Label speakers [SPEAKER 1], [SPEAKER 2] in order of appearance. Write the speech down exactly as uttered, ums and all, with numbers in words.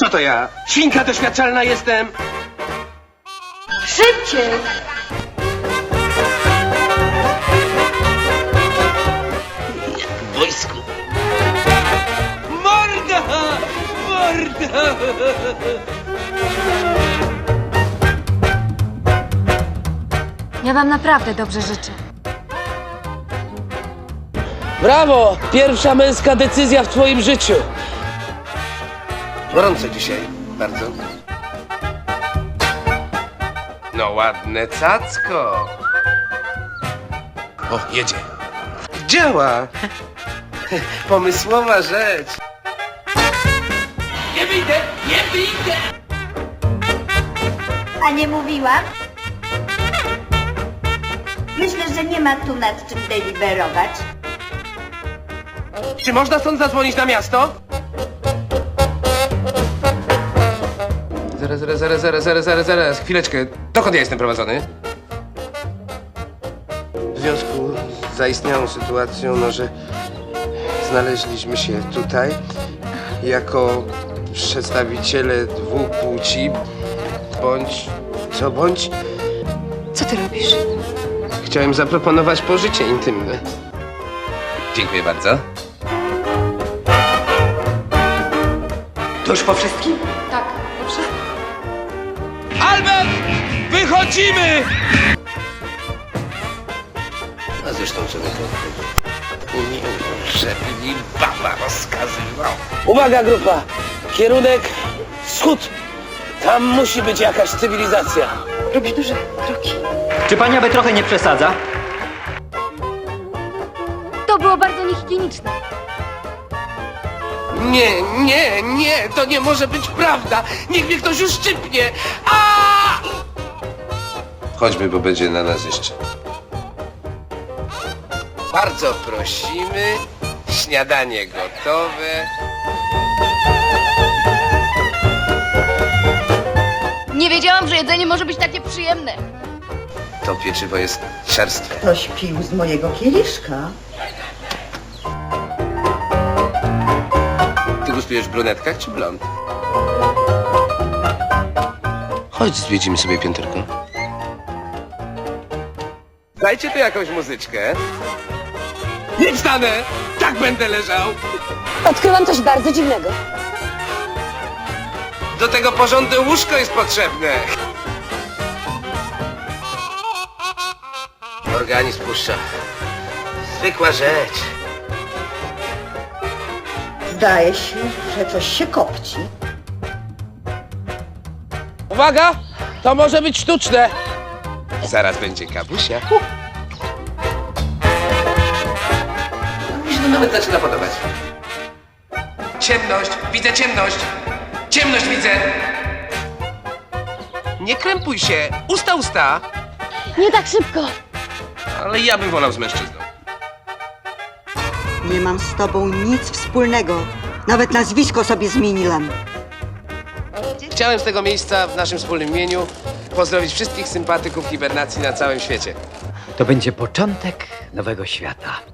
[SPEAKER 1] Co to ja? Świnka doświadczalna jestem!
[SPEAKER 2] Szybciej!
[SPEAKER 1] W wojsku. Morda! Morda!
[SPEAKER 2] Ja wam naprawdę dobrze życzę.
[SPEAKER 3] Brawo! Pierwsza męska decyzja w twoim życiu.
[SPEAKER 1] Gorąco dzisiaj, bardzo. No ładne cacko. O, jedzie. Działa. Pomysłowa rzecz. Nie wyjdę, nie wyjdę.
[SPEAKER 4] A nie mówiłam? Myślę, że nie ma tu nad czym deliberować.
[SPEAKER 1] Czy można stąd zadzwonić na miasto? Zaraz, zaraz, zaraz, zaraz, zaraz, zaraz, zaraz, chwileczkę. Dokąd ja jestem prowadzony? W związku z zaistniałą sytuacją, no, że znaleźliśmy się tutaj jako przedstawiciele dwóch płci, bądź co bądź,
[SPEAKER 2] Co ty robisz?
[SPEAKER 1] chciałem zaproponować pożycie intymne. Dziękuję bardzo. To już po wszystkim?
[SPEAKER 2] Tak, dobrze.
[SPEAKER 1] Albert! Wychodzimy! A zresztą czego to nie żeby mi baba rozkazywał.
[SPEAKER 3] Uwaga, grupa! Kierunek wschód. Tam musi być jakaś cywilizacja.
[SPEAKER 2] Robisz duże kroki.
[SPEAKER 5] Czy pani aby trochę nie przesadza?
[SPEAKER 2] To było bardzo niehigieniczne.
[SPEAKER 1] Nie, nie, nie, to nie może być prawda. Niech mnie ktoś uszczypnie. A! Chodźmy, bo będzie na nas jeszcze. Bardzo prosimy. Śniadanie gotowe.
[SPEAKER 2] Nie wiedziałam, że jedzenie może być takie przyjemne.
[SPEAKER 1] To pieczywo jest czerstwe.
[SPEAKER 4] Ktoś pił z mojego kieliszka.
[SPEAKER 1] Ty gustujesz w brunetkach czy blond? Chodź, zwiedzimy sobie pięterko. Dajcie tu jakąś muzyczkę. Nie wstanę! Tak będę leżał!
[SPEAKER 2] Odkryłam coś bardzo dziwnego.
[SPEAKER 1] Do tego porządne łóżko jest potrzebne. Organizm puszcza. Zwykła rzecz.
[SPEAKER 4] Zdaje się, że coś się kopci.
[SPEAKER 3] Uwaga! To może być sztuczne.
[SPEAKER 1] Zaraz będzie kabusia. Mi się to nawet zaczyna podobać. Ciemność! Widzę ciemność! Ciemność widzę! Nie krępuj się! Usta, usta!
[SPEAKER 2] Nie tak szybko.
[SPEAKER 1] Ale ja bym wolał z mężczyzną.
[SPEAKER 6] Nie mam z tobą nic wspólnego. Nawet nazwisko sobie zmieniłam.
[SPEAKER 1] Chciałem z tego miejsca w naszym wspólnym imieniu pozdrowić wszystkich sympatyków hibernacji na całym świecie.
[SPEAKER 5] To będzie początek nowego świata.